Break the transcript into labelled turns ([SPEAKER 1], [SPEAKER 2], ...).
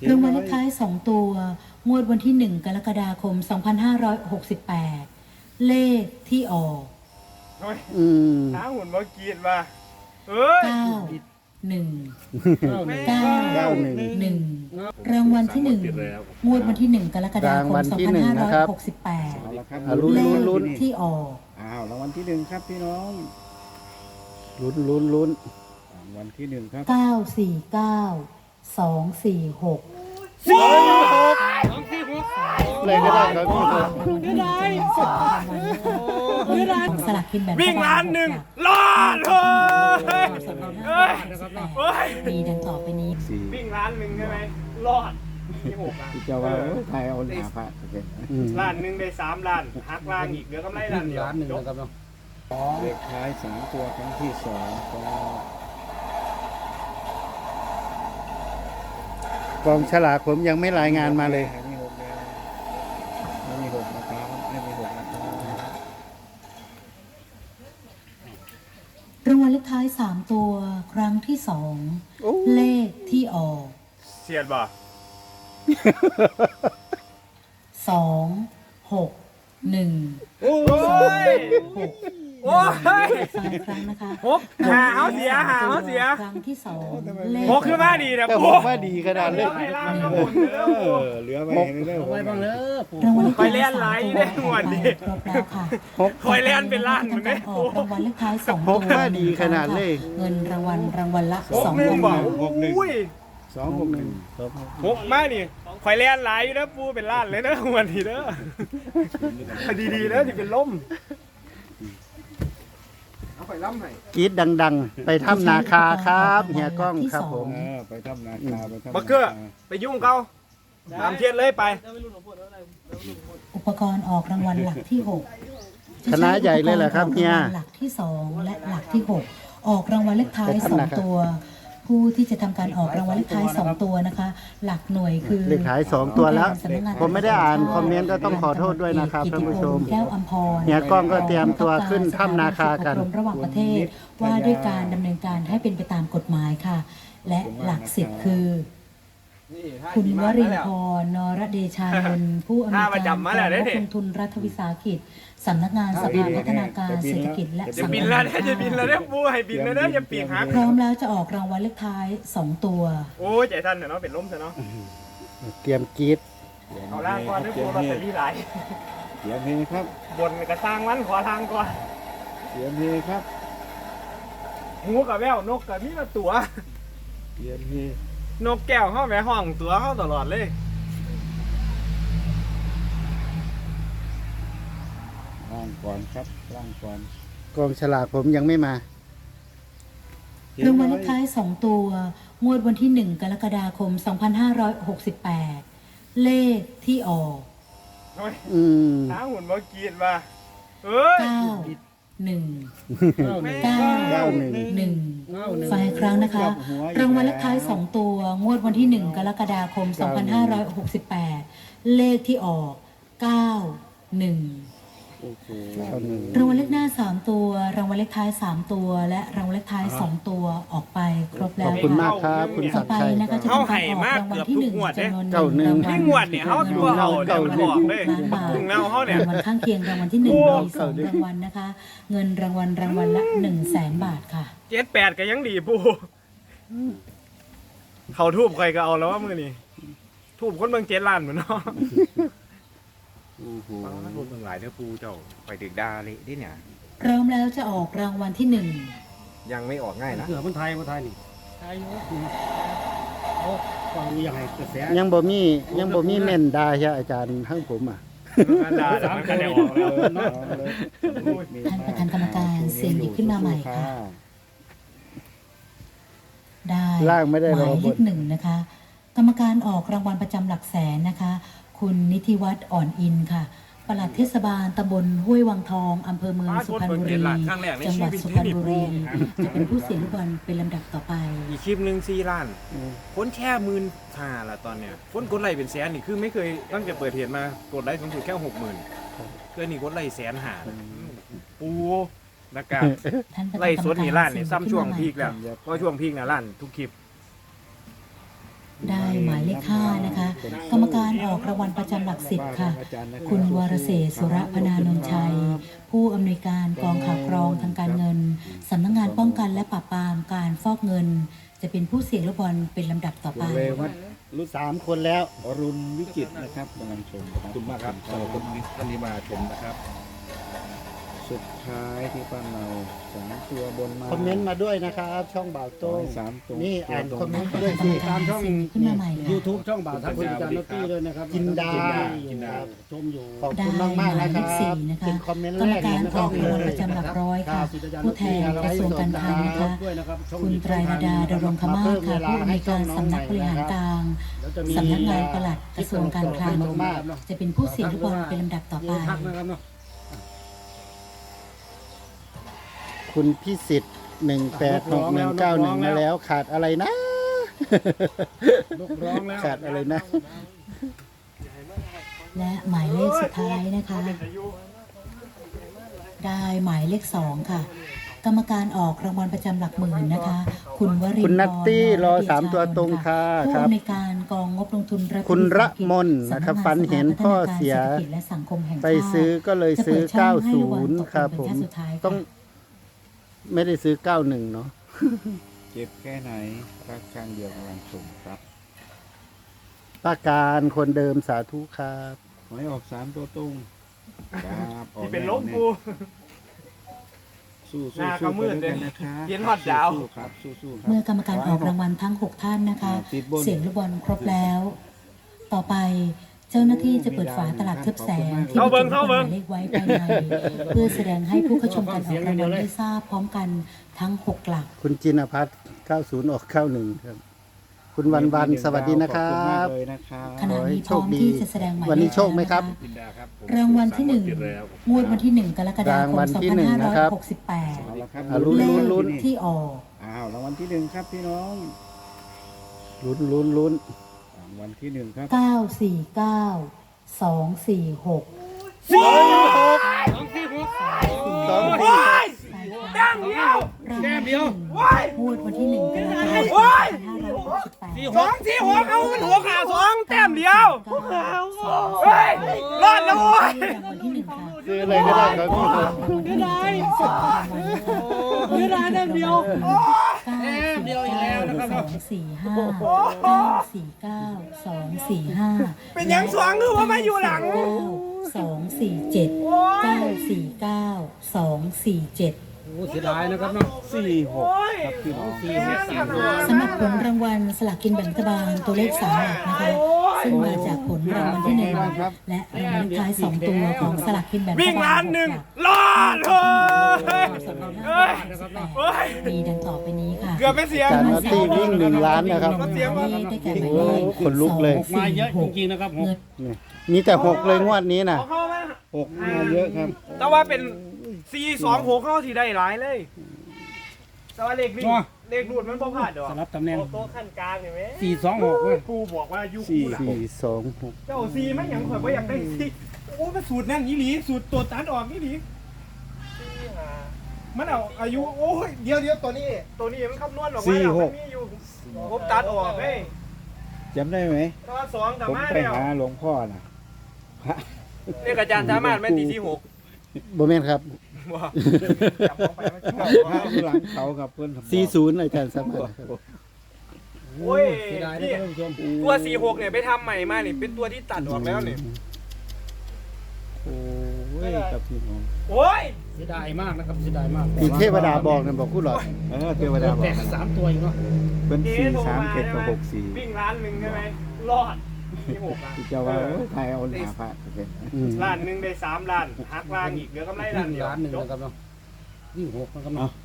[SPEAKER 1] รางวัลเลขท้าย2ตัวงวดวันที่1กรกฎาคม2568เลขที่ออก
[SPEAKER 2] หาหุ่นมากีดมาเฮ้ย
[SPEAKER 1] 991รางวัลที่1งวดวันที่1กรกฎาคม2568เลขที่ออก
[SPEAKER 3] รางวัลที่1ครับพี่น้อง
[SPEAKER 4] ลุ้น
[SPEAKER 3] รางวัลที่1ครับ
[SPEAKER 1] 949 246
[SPEAKER 4] เลยก็ได้ครับ
[SPEAKER 1] สลักกินแบบ
[SPEAKER 2] วิ่งล้านหนึ่งรอดเลย
[SPEAKER 1] มีดังต่อไปนี้
[SPEAKER 2] วิ่งล้านหนึ่งใช่ไหมรอดที่6
[SPEAKER 3] ที่จะว่าไทยเอาหน้าพระ
[SPEAKER 2] ล้านหนึ่งได้3ล้านหักล้านอีกเหลือกำไรล้านเดียว
[SPEAKER 4] 1นะครับเนาะ
[SPEAKER 3] เลขท้าย3ตัวครั้งที่2
[SPEAKER 4] กองฉลากผมยังไม่รายงานมาเลย
[SPEAKER 3] ไม่มี6นะครับไม่มี6นะครับ
[SPEAKER 1] รางวัลเลขท้าย3ตัวครั้งที่2เลขที่ออก
[SPEAKER 2] เสียดบ่
[SPEAKER 1] 261
[SPEAKER 2] โอ้ยโอ้ย
[SPEAKER 1] ครั้งนะคะ
[SPEAKER 2] หาเอาเสีย
[SPEAKER 1] ครั้งที่2เลข
[SPEAKER 2] 6ขึ้นมาดีนะ
[SPEAKER 4] ปูมาดีขนาดเลย
[SPEAKER 3] เหลือไปเรื่อยๆ
[SPEAKER 4] ไว้บ้างเลย
[SPEAKER 2] คอยเล่นไหลได้หมดดิ
[SPEAKER 1] ครบแล้วค่ะ
[SPEAKER 2] คอยเล่นเป็นล้านเหมือนกัน
[SPEAKER 1] ออกรางวัลเลขท้าย2ตัว
[SPEAKER 4] มาดีขนาดเลย
[SPEAKER 1] เงินรางวัลละ
[SPEAKER 2] 2,000 บาทอุ้ย
[SPEAKER 3] 261
[SPEAKER 2] มานี่คอยเล่นไหลนะปูเป็นล้านเลยนะวันทีเด้อดีๆนะที่เป็นล่ม
[SPEAKER 4] กรีดดังๆไปถ้ำนาคาครับเฮียก้องครับผม
[SPEAKER 3] ไปถ้ำนาคาไปถ้ำ
[SPEAKER 2] บักเกอร์ไปยุ่งเขาตามเทียนเลยไป
[SPEAKER 1] อุปกรณ์ออกรางวัลหลักที่6
[SPEAKER 4] คณะใหญ่เลยแหละครับเฮีย
[SPEAKER 1] หลักที่2และหลักที่6ออกรางวัลเลขท้าย2ตัวผู้ที่จะทำการออกรางวัลเลขท้าย2ตัวนะคะหลักหน่วยคือ
[SPEAKER 4] เลขท้าย2ตัวแล้วผมไม่ได้อ่านคอมเมนต์ก็ต้องขอโทษด้วยนะครับท่านผู้ชม
[SPEAKER 1] แก้วอัมพร
[SPEAKER 4] เฮียก้องก็เตรียมตัวขึ้นถ้ำนาคากัน
[SPEAKER 1] ระหว่างประเทศว่าด้วยการดำเนินการให้เป็นไปตามกฎหมายค่ะและหลัก10คือคุณวรินทร์นรเดชานนท์ผู้อำนวยการกองลงทุนรัฐวิสาหกิจสำนักงานสภาพัฒนาการเศรษฐกิจและสังคม
[SPEAKER 2] จะบินแล้วปูให้บินแล้วเนี่ยจะปีกหัก
[SPEAKER 1] พร้อมแล้วจะออกรางวัลเลขท้าย2ตัว
[SPEAKER 2] โอ้ยใจท่านเนาะเป็นล้มซะเนาะ
[SPEAKER 4] เตรียมกรีด
[SPEAKER 2] เอาล่างก่อนด้วยปูลอตเตอรี่หลาย
[SPEAKER 3] เสียงเพลงครับ
[SPEAKER 2] บนกระซังวันขอทางก่อน
[SPEAKER 3] เสียงเพลงครับ
[SPEAKER 2] หูกับแววนกกับมีมาตัว
[SPEAKER 3] เสียงเพลง
[SPEAKER 2] นกแก้วเข้าแม่ห้องตัวเข้าตลอดเลย
[SPEAKER 3] ล่างก่อนครับล่างก่อน
[SPEAKER 4] กองฉลากผมยังไม่มาร
[SPEAKER 1] างวัลเลขท้าย2ตัวงวดวันที่1กรกฎาคม2568เลขที่ออก
[SPEAKER 2] หาหุ่นมากีดมาเฮ้ย
[SPEAKER 1] 991ฝ่ายครั้งนะคะรางวัลเลขท้าย2ตัวงวดวันที่1กรกฎาคม2568เลขที่ออก91รางวัลเลขหน้า3ตัวรางวัลเลขท้าย3ตัวและรางวัลเลขท้าย2ตัวออกไปครบแล้ว
[SPEAKER 4] ขอบคุณมากครับคุณศักดิ์ชัย
[SPEAKER 1] นะคะจะทำการออกรางวัลที่1จำนวน1
[SPEAKER 2] ที่งวดเนี่ยเขาตัวเอาเดี๋ยวมันบอกเลยถึงแล้วเขาเนี่ย
[SPEAKER 1] รางวัลข้างเคียงรางวัลที่1มี2รางวัลนะคะเงินรางวัลละ100,000 บาทค่ะ
[SPEAKER 2] 78ก็ยังดีปูเขาทูบใครก็เอาแล้วว่ามือนี่ทูบคนเมือง7 ล้านเหมือนเนาะ
[SPEAKER 3] พูดเมืองหลายเนื้อปูเจ้าไปดึกดาเลยดิเนี่ย
[SPEAKER 1] พร้อมแล้วจะออกรางวัลที่
[SPEAKER 3] 1ยังไม่ออกง่ายนะ
[SPEAKER 4] เสือคนไทยนี่ไทยฟังยังไงกระแสยังบ่มีเม่นดาใช่อาจารย์ทั้งผม
[SPEAKER 2] ดาก็ได้ออกแล้ว
[SPEAKER 1] ท่านประธานกรรมการเสียงหยิบขึ้นมาใหม่ค่ะได้
[SPEAKER 4] ล่างไม่ได้
[SPEAKER 1] หมายเลข1นะคะกรรมการออกรางวัลประจำหลักแสนนะคะคุณนิติวัฒน์อ่อนอินค่ะปลัดเทศบาลตำบลห้วยวังทองอำเภอเมืองสุพรรณบุรีจังหวัดสุพรรณบุรีจะเป็นผู้เสียงลูกบอลเป็นลำดับต่อไป
[SPEAKER 2] อีกคลิปหนึ่ง4 ล้านคนแค่15,000ละตอนเนี้ยคนกดไลค์เป็นแสนนี่คือไม่เคยตั้งแต่เปิดเพจมากดไลค์สูงสุดแค่60,000เพื่อนนี่กดไลค์150,000ปูนะครับไลค์สดนี่ล้านนี่ซ้ำช่วงพีคแล้วก็ช่วงพีคนะล้านทุกคลิป
[SPEAKER 1] ได้หมายเลข5นะคะ กรรมการออกรางวัลประจำหลัก10ค่ะ คุณวรเศรษฐ์สุรพนานนท์ชัย ผู้อำนวยการกองข่าวกรองทางการเงินสำนักงานป้องกันและปราบปรามการฟอกเงิน จะเป็นผู้เสี่ยงลูกบอลเป็นลำดับต่อไป
[SPEAKER 3] เรวัต
[SPEAKER 4] รู้3 คนแล้ว
[SPEAKER 3] อรุณวิจิตรนะครับกำลังชมขอบคุณมากครับสำหรับคนที่มาชมนะครับ สุดท้ายที่ป้าเรา3 ตัวบนมา
[SPEAKER 4] คอมเมนต์มาด้วยนะครับ ช่องบ่าวโต้ง
[SPEAKER 3] 3 ตัว
[SPEAKER 4] นี่อ่านคอมเมนต์ไปด้วย
[SPEAKER 1] กร
[SPEAKER 4] สิ
[SPEAKER 1] รมการช่องขึ้นมาใหม่ค่ะ
[SPEAKER 5] YouTube ช่องบ่าวทัพคุณอาจารย์นอตตี้ด้วยนะครับ
[SPEAKER 4] กินดา
[SPEAKER 5] ครับชมอยู่
[SPEAKER 4] ขอบคุณมากมากๆนะค
[SPEAKER 1] ได้
[SPEAKER 4] รับ
[SPEAKER 1] หมายเลข4นะคะ
[SPEAKER 4] เป็นคอมเมนต์
[SPEAKER 1] กร
[SPEAKER 4] แร
[SPEAKER 1] รม
[SPEAKER 4] ก
[SPEAKER 1] การ
[SPEAKER 4] นะ
[SPEAKER 1] อ
[SPEAKER 4] ครั
[SPEAKER 1] อบ กรางวัลประจำหลักร้อยค่ะ ผู้แทนกระทรวงการคลังนะคะ คุณไตรรดาดรงคมาศค่ะผู้อำนวยการสำนักบริหารกลาง สำนักงานปลัดกระทรวงการคลังจะเป็นผู้เสี่ยงลูกบอลเป็นลำดับต่อไป
[SPEAKER 5] ทักนะครับเนาะ
[SPEAKER 4] คุณพิสิทธิ์186191มาแล้วขาดอะไรนะ
[SPEAKER 5] ลูกร้องแล้ว
[SPEAKER 4] ขาดอะไรนะ
[SPEAKER 1] และหมายเลขสุดท้ายนะคะ ได้หมายเลข2ค่ะ กรรมการออกรางวัลประจำหลักหมื่นนะคะ คุณวรินทร์
[SPEAKER 4] คุณนัตตี้รอ
[SPEAKER 1] เดช
[SPEAKER 4] 3 ตัวตรงค่ะ
[SPEAKER 1] ผู้
[SPEAKER 4] ครับ
[SPEAKER 1] อำนวยการกองงบลงทุนรัฐ
[SPEAKER 4] คุณ
[SPEAKER 1] วิสาห
[SPEAKER 4] ระ
[SPEAKER 1] กิจ
[SPEAKER 4] มนนะครับ
[SPEAKER 1] สำกงา
[SPEAKER 4] ฝันเห็นพ่อเสีย
[SPEAKER 1] ศรษฐกิจและสังคมแห่งชาติ
[SPEAKER 4] ไปซื้อก็เลยซื้อ
[SPEAKER 1] จะเปิดช่องให้ลูกบอลตก
[SPEAKER 4] 90 ครับ
[SPEAKER 1] เป็น
[SPEAKER 4] ผม
[SPEAKER 1] ขั้นสุดท้ายค่ะ
[SPEAKER 4] ต้องไม่ได้ซื้อ 91 เนาะ
[SPEAKER 3] เจ็บแค่ไหนรักข้างเดียวกำลังชมครับ
[SPEAKER 4] ป้าการคนเดิมสาธุครับ
[SPEAKER 3] หวยออก3 ตัวตรงครับออก
[SPEAKER 2] ที่เป็น
[SPEAKER 3] แ
[SPEAKER 2] ลมกู
[SPEAKER 3] สู้
[SPEAKER 2] หน้า
[SPEAKER 3] ๆ
[SPEAKER 2] ก็มืด
[SPEAKER 3] ไป
[SPEAKER 2] เล
[SPEAKER 3] วย กันนะครับ
[SPEAKER 2] เย็นฮอดดาว
[SPEAKER 3] สู้ๆครับสู้ๆครับ
[SPEAKER 1] เมื่อกรรมการออกรางวัลทั้ง 6 ท่านนะคะ
[SPEAKER 3] ติดบน
[SPEAKER 1] เสียงลูกบอลครบแล้ว ต่อไปเจ้าหน้าที่จะเปิดฝาตลับทึบแสงที่บรรจุลูกบอลหมายเลขไว้ภายใน เพื่อแสดงให้ผู้เข้าชมการออกรางวัลได้ทราบพร้อมกันทั้ง 6 หลัก
[SPEAKER 4] คุณจินพัฒน์90 ออก 91 ครับ คุณวันวันสวัสดีนะครั
[SPEAKER 3] ขอบณมาก
[SPEAKER 4] บ
[SPEAKER 3] เลยนะครับ
[SPEAKER 1] ขณะนี้พร้อมที่จะแสดงหมายเลข
[SPEAKER 4] วันนี้โชคไหมครับ
[SPEAKER 2] จินดาครับผม
[SPEAKER 1] รางวัลที่ 1 งวดวันที่ 1 กรกฎาค
[SPEAKER 4] ราง
[SPEAKER 1] ม
[SPEAKER 4] วัลที่หนึ่งนะครับ
[SPEAKER 3] เอา
[SPEAKER 1] 2568
[SPEAKER 3] ละครับ
[SPEAKER 4] อ่ะลุ้น
[SPEAKER 1] เล
[SPEAKER 4] ลุ้น
[SPEAKER 1] ขที่ออก
[SPEAKER 3] อ้าวรางวัลที่1ครับพี่น้อง
[SPEAKER 4] ลุ้นลุ้นลุ้น
[SPEAKER 3] รางวัลที่1ครับ
[SPEAKER 1] 949 246
[SPEAKER 2] ดังเดียว
[SPEAKER 1] แก้มเดียวงวดวันที่ 1 กรกฎาคม2568
[SPEAKER 2] 246เอาหัวขา2แต้มเดียวเฮ้ยรอดแล้วโว้ย
[SPEAKER 1] รางวัลที่ 1 ค่ะ
[SPEAKER 4] ซื้ออะไรก็ได้ครับพี่
[SPEAKER 1] รางวัลที่ 1 จะมี2รางวัลนะคะแต้มเดียว9 อีกแล้วนะครับ245
[SPEAKER 2] เป็นยังสวงหรือว่ามาอยู่หลัง
[SPEAKER 1] 247 949 247
[SPEAKER 5] โอ้เสียดายนะครับเนาะ
[SPEAKER 3] 46ครับพี่น้อง
[SPEAKER 1] สำหรับผลรางวัลสลากกินแบ่งรัฐบาลตัวเลข3หลักนะคะ ซึ่งมาจากผลรางวัลที่ 1 และรางวัลเลขท้าย 2 ตัวของสลากกินแบ่งรัฐ
[SPEAKER 2] วิ่ง
[SPEAKER 1] บา
[SPEAKER 2] ล้า
[SPEAKER 1] ล
[SPEAKER 2] นหนึ่ง
[SPEAKER 1] หลัก
[SPEAKER 2] รอดเลย
[SPEAKER 1] มีดังต่อไปนี้ค่ะ
[SPEAKER 2] เกือบไม่เสีย
[SPEAKER 4] จานนอตตี้วิ่ง1 ล้านนะครับ
[SPEAKER 1] ได้แก่หมายเลข
[SPEAKER 4] โอ้ขนลุกเลย
[SPEAKER 1] 2
[SPEAKER 5] มาเยอะจริงๆนะครับผม
[SPEAKER 4] นี่มีแต่ 6 เลยงวดนี้นะ
[SPEAKER 2] เข้ามา
[SPEAKER 3] 6มาเยอะครับ
[SPEAKER 2] แต่ว่าเป็น426เข้าที่ได้หลายเลย แต่ว่าเลขวิ่งเลขรูดมันบ่พลาดดอก
[SPEAKER 5] สลับตำแหน่ง
[SPEAKER 2] โต๊ะขั้นกลางเห็นไหม
[SPEAKER 5] 426เว้ย
[SPEAKER 2] ครูบอกว่ายุค
[SPEAKER 4] 426
[SPEAKER 2] เจ้าซีไม่หยังข่อยบ่อยากได้ซีโอ้มันสูตรนั่นอีหลีสูตรตัวตัดออกอีหลีมันเอาอายุโอ้ยเดี๋ยวตัวนี้มันคำนวณออกมาแล้วมันมีอยู่ผมตัดออกเฮ้ย
[SPEAKER 3] จำได้ไหม
[SPEAKER 2] ตอนสองสา
[SPEAKER 3] ผม
[SPEAKER 2] มารถ
[SPEAKER 3] ไป
[SPEAKER 2] แล้ว
[SPEAKER 3] หาหลวงพ่อนะพระ
[SPEAKER 2] เรียกอาจารย์สามารถแม่นตีที่6
[SPEAKER 4] บ่แม่นครับ
[SPEAKER 2] ว่าจับออกไปมัน
[SPEAKER 3] พระอยู่หลังเขากับเพื่อนผม
[SPEAKER 4] 40อาจารย์สามารถครับ
[SPEAKER 2] โอ้ย
[SPEAKER 5] เสียดายนะ
[SPEAKER 2] นี่
[SPEAKER 5] ท่านผู้ชม
[SPEAKER 2] ตัว46เนี่ยไปทำใหม่มานี่เป็นตัวที่ตัดออกแล้วนี่
[SPEAKER 3] โอ้ยกับพี่น้อง
[SPEAKER 2] โอ้ย
[SPEAKER 5] เสียดายมากนะครับเสียดายมาก
[SPEAKER 4] ที่เทวดาบอกนะบอกผู้หลอด
[SPEAKER 3] เทวดาบ
[SPEAKER 5] แต
[SPEAKER 3] อก
[SPEAKER 5] ก3 ตัวอีกเนาะ
[SPEAKER 3] เป็น
[SPEAKER 2] เจ๊โทรมาใช่ไหม
[SPEAKER 3] 437กับ64
[SPEAKER 2] วิ่งล้านหนึ่งใช่ไหมรอดที่6อ่ะ
[SPEAKER 3] ที่เจ้าว่าโอ้ยไทยเอาหนาพระโอเค
[SPEAKER 4] อืม
[SPEAKER 2] ล้านหนึ่งได้3ล้านหักล้านอีกเหลือกำไรล้านเดียว
[SPEAKER 5] 1 ล้าน
[SPEAKER 2] จบ
[SPEAKER 5] นะครับเนาะวิ่ง6นะครับ
[SPEAKER 3] เอา
[SPEAKER 5] เนาะ